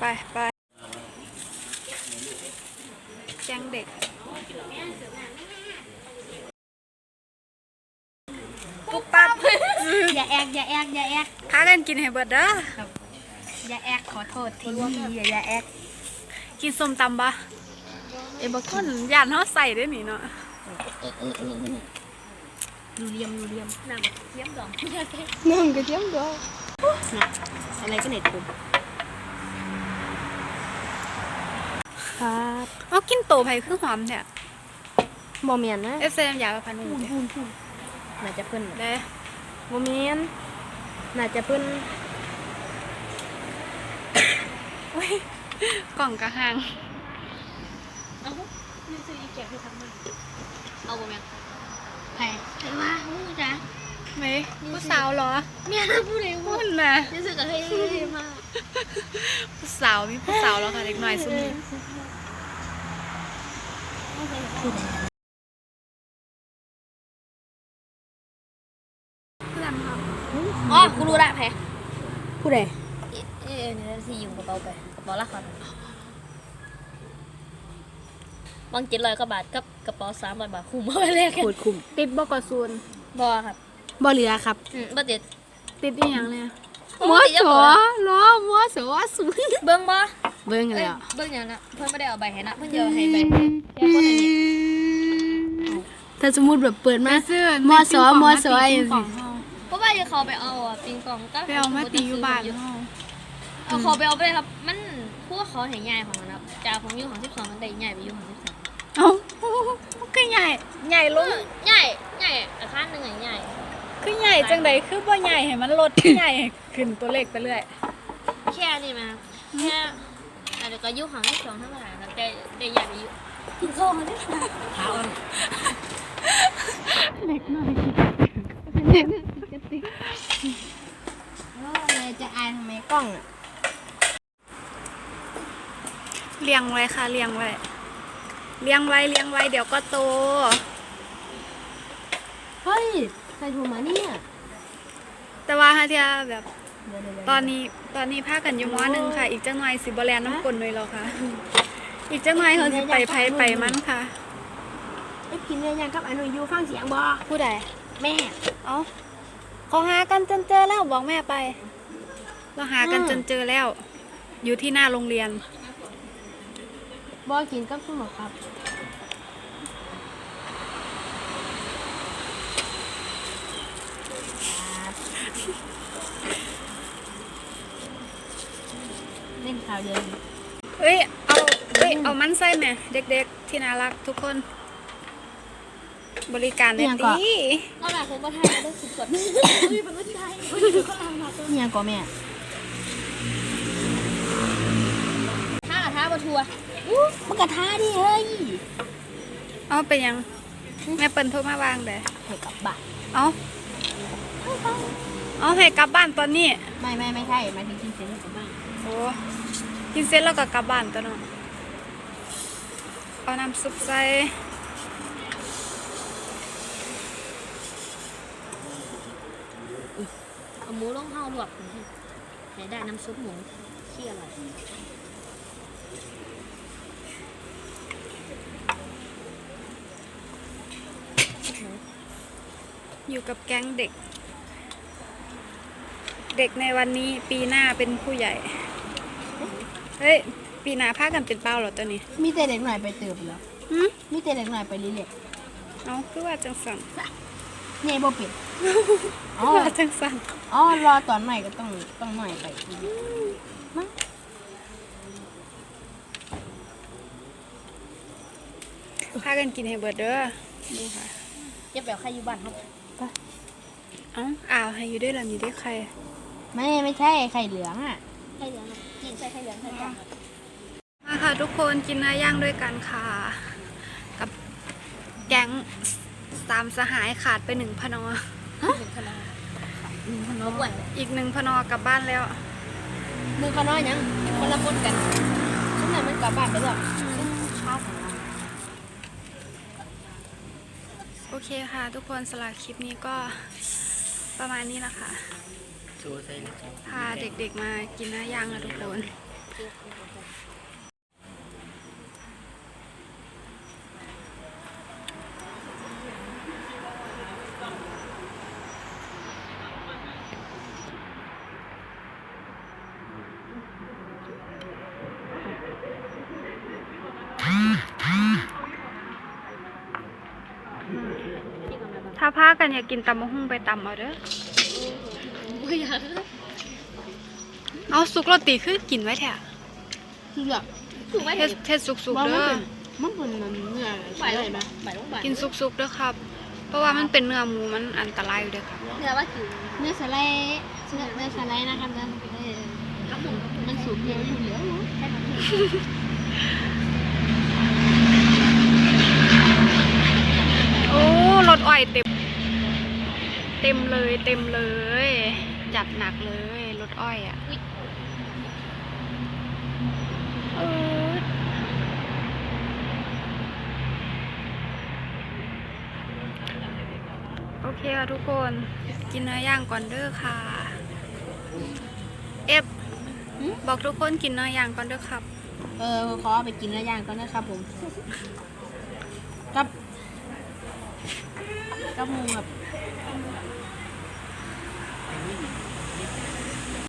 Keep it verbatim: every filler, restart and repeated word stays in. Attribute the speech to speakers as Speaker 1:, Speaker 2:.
Speaker 1: ไปแกงเด็กปุ๊บปั๊บ
Speaker 2: อย่าแอกอย่าแอกอย่าแอก
Speaker 1: พากันกินให้เบิดเด้อ
Speaker 2: อย่าแอกขอโทษทีอย่าอย่าแอก
Speaker 1: กินส้มตำปะเอ้บคนย่านเขาใส่ได้หนิเนาะ
Speaker 2: ดูเรียมดูเรียมน้ำเทียมดอง
Speaker 1: น้ำกระเทียมดอง
Speaker 2: อะไรก็เน็ตผม
Speaker 1: ครับเอากินโตไผ่คือหอมแท้
Speaker 2: โมเมนนะ
Speaker 1: เอฟเซมอยากไปพันหนึ่ง
Speaker 2: น่าจะเพิ่น
Speaker 1: ได้
Speaker 2: โมเมนน่าจะเพิ่น
Speaker 1: กล่องกระหัง
Speaker 2: เอานี่ซื้ออีแกะให้ทำมาเอาโมเมนไผ่ไผ่ว่าหูจ้ะ
Speaker 1: ไหมผู้สาวเหรอ
Speaker 2: เนี่ยผู้เลี้ยง
Speaker 1: หุ่นนะ
Speaker 2: นี่ซื้อกับให้มา
Speaker 1: ผู้สาวมีผู้สาวแล้วค่ะเด็กน้อยซุ้มนี้
Speaker 2: อ๋อกูรู้ละแพ้
Speaker 1: ผู้ใด
Speaker 2: เออเนี่ยสิอยู่กระเป๋าไปกระเป๋าละครบางเจ็ดร้อยกว่าบาทกับกระเป๋าสามร้อยบาทคุ้มมากเลย
Speaker 1: โคตรคุ้มติดบ่กอซูน
Speaker 2: บ่ครับ
Speaker 1: บ่เหลือครับ
Speaker 2: อืมบ่ติด
Speaker 1: ติดอีหยังเนี่ยมัวสอล้อมัวสอสูง
Speaker 2: เบิ่งบ่
Speaker 1: เบิ่งแล้ว
Speaker 2: เบิ่งหยังนะเพิ่นบ่ได้เอาใบให้นะเพิ่นจะเอาให้ใบแค่คนอันนี้
Speaker 1: ถ้าสมมุติแบบเปิดมามัวสอมัวสอจังซี่
Speaker 2: เพราะว่าจะเขาไปเอาอ่ะปิงปองก็
Speaker 1: ไปเอามาตีอยู่บ้านเฮา
Speaker 2: เอาเขาไปเอาไปเลยครับมันพวกเขาให้ใหญ่ของมันครับจากของอยู่ของสิบสองมันได้ใหญ่ไปอยู่ของสิบสาม
Speaker 1: เอ้าก็ใหญ่ใหญ่ลง
Speaker 2: ใหญ่ใหญ่อาคารนึงใหญ่
Speaker 1: คือใหญ่จังได๋คือบ่ใหญ่ให้มันลดใหญ่ขึ้นตัวเลขไปเรื่อย
Speaker 2: แค่นี้มั้ยแค่อาจจะก็อยู่ของสิบสองเท่าไหร่ครับได้ได้ใหญ่ไปอยู่กินข้าวมันได้ขาว
Speaker 1: เล็กน้อย
Speaker 2: กระติกโอ้ยจะอายทำไมกล้องอ่ะ
Speaker 1: เลี้ยงไว้ค่ะเลี้ยงไว้เลี้ยงไว้เลี้ยงไว้เดี๋ยวก็โต
Speaker 2: เฮ้ยใครโทรมาเนี่ย
Speaker 1: แต่ว่าฮะเทียแบบตอนนี้ตอนนี้พากันอยู่ม.หนึ่งค่ะอีกจังหน่อยสิบ่แลนน้ำกลเลยหรอค่ะอีกจังหน่อยเขาสิไปไผไปมันค่ะ
Speaker 2: ไอ้กินเนี่ยยังกับอนุยูฟังเสียงบ่
Speaker 1: ผู้ใด
Speaker 2: แม่
Speaker 1: เอ้าเขาหากันจนเจอแล้วบอกแม่ไปเราหากันจนเจอแล้วอยู่ที่หน้าโรงเรียน
Speaker 2: บ่กินกับสมุนครับเล่นข่าวเย็น
Speaker 1: เอ้ยเอาเอ้ยเอามันใส่ไหมเด็กๆที่น่ารักทุกคนบริการได้ดี
Speaker 2: เราหนาผมก็ไทยได้สุดสดอุ้ยเป็นรุ่นไทยเนี่ยก็แม่ท่าท่าบะทัวอู้มันกระท่าดิเฮ้ย
Speaker 1: เอาไปยังแม่เปิ้ลโทรมาวางเด้
Speaker 2: ให้กลับบ้าน
Speaker 1: เอาเอาให้กลับบ้านตอนนี้
Speaker 2: ไม่ไม่ไม่ใช่มาถึงกินเสร็จแล้วกลับบ้าน
Speaker 1: โอ้กินเสร็จแล้วก็กลับบ้านตัวเนาะเอาน้ำซุปใส่
Speaker 2: เอาหมูลงห่อลวกให้ได้น้ำซุปหมูเคี่ยวอะไร
Speaker 1: อยู่กับแก๊งเด็กเด็กในวันนี้ปีหน้าเป็นผู้ใหญ่เฮ้ยปีหน้าพากันเป็นเป้าเหรอตัวนี้
Speaker 2: มีแต่เด็กหน่อยไปเติบแล้วมีแต่เด็กหน่อยไปรีเล็ก
Speaker 1: เอาคือว่าจังสัน
Speaker 2: เนี่ยบ่ปิด
Speaker 1: อ๋อจังสัน
Speaker 2: อ๋อรอตอนใหม่ก็ต้องต้องหน่อยไปมั้ง
Speaker 1: พากันกินให้เบิดเด้อดูค่ะ
Speaker 2: จะแบบใครอยู่บ้านครับ
Speaker 1: อ๋ออ้าวให้อยู่ด้วยล่ะมีด้วยใคร
Speaker 2: ไม่ไม่ใช่ไข่เหลืองอ่ะไข่เหลืองกินใส่ไข่เหลืองใส่กัน
Speaker 1: มาค่ะทุกคนกินเนื้อย่างด้วยกันค่ะกับแก๊งสามสหายขาดไปหนึ่งพนอ
Speaker 2: หนึ่งพนอหนึ่งพนอบ่วน
Speaker 1: อีกหนึ่งพนอกลับบ้านแล้ว
Speaker 2: หนึ่งพนอยังคนละคนกันช่วงไหนมันกลับบ้านไปด้วยช้าของเรา
Speaker 1: โอเคค่ะทุกคนสำหรับคลิปนี้ก็ประมาณนี้แหละค่ะพาเด็กๆมากินเนื้อย่างนะทุกคน
Speaker 2: เก็บ
Speaker 1: ถ้าพากันอยากกินตำมะฮุ่งไปตำเอาเด้อ
Speaker 2: ไม่อยาก
Speaker 1: เอาสุกโรตีคือกินไว้แท้
Speaker 3: คือแบบ
Speaker 2: ถูกไหม
Speaker 1: เฮ็ดเฮ็ดสุกๆเด้อ
Speaker 3: มันเป็นมันเนื้อ
Speaker 2: บ่าย
Speaker 3: อะไร
Speaker 2: ลง
Speaker 3: นะ
Speaker 2: บ่ายลงบ่าย
Speaker 1: กินสุกๆเด้อครับ เพราะว่ามันเป็นเนื้อหมูมันอันตรายอยู่เด้อครับ
Speaker 2: เนื้อว่ากิน
Speaker 3: เนื้อสไลด์เนื้อเนื้อสไลด์นะครับเนื้อเออ
Speaker 2: กับหมูกับหมู
Speaker 3: มันสูงเดียวอยู่เหลือเนาะ
Speaker 2: ใช่ไหม
Speaker 1: โอ้รถอ้อยเต็ม เต็มเลยเต็มเลย จัดหนักเลยรถอ้อยอ่ะเออโอเคค่ะทุกคนกินเนื้อย่างก่อนเด้อค่ะ เอฟบอกทุกคนกินเนื้อย่างก่อนเด้อครับ
Speaker 3: เออขอไปกินเนื้อย่างก่อนนะครับผมกับกับหมูแบบ